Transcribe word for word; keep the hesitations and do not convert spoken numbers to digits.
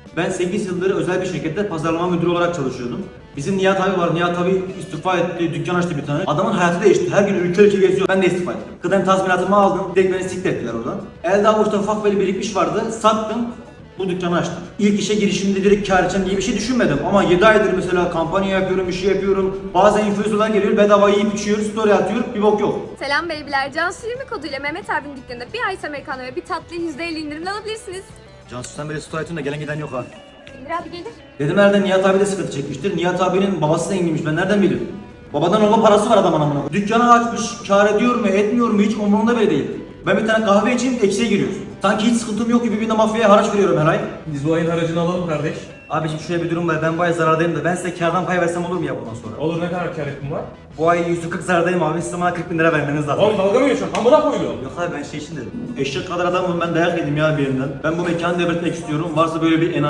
Ben sekiz yıldır özel bir şirkette pazarlama müdürü olarak çalışıyordum. Bizim Nihat abi var. Nihat abi istifa etti, dükkan açtı bir tane. Adamın hayatı değişti. Her gün ülke ülke geziyor. Ben de istifa ettim. Kıdem tazminatımı aldım. Direkt beni siktir ettiler oradan. Elde avuçta ufak böyle birikmiş vardı. Sattım. Bu dükkanı açtım. İlk işe girişimde direkt kar edeceğim diye bir şey düşünmedim. Ama yedi aydır mesela kampanya yapıyorum, bir şey yapıyorum. Bazen influencerlar geliyor, bedava yiyip içiyor, story atıyor, bir bok yok. Selam beybiler. Cansu yirmi koduyla Mehmet abinin dükkanında bir ice americano ve bir tatlı yüzde elli indirimle alabilirsiniz. Cansu sen böyle story atıyorsun da gelen giden yok ha. İndir abi gelir. Dedim herhalde Nihat abi de sıkıntı çekmiştir. Nihat abinin babası zenginmiş, ben nereden biliyorum? Babadan olma parası var adamın amına. Dükkanı açmış, kar ediyor mu, etmiyor mu hiç umurumda bile değil. Ben bir tane kahve içeyim, eksiye giriyoruz. Sanki hiç sıkıntım yok gibi bir de mafyaya haraç veriyorum her ay. Biz bu ayın haracını alalım kardeş. Abiciğim şöyle bir durum var, ben bu ay zarardayım da ben size kardan pay versem olur mu ya bundan sonra? Olur, ne kadar kar ettin var? Bu ay yüz kırk zarardayım abi, size bana kırk bin lira vermeniz lazım. Oğlum dalga mı geçiyorsun? Amına koyuyor. Yok abi ben şey için dedim. Eşek kadar adamım ben, dayak yedim ya bir yerinden. Ben bu mekanı devretmek istiyorum. Varsa böyle bir enayi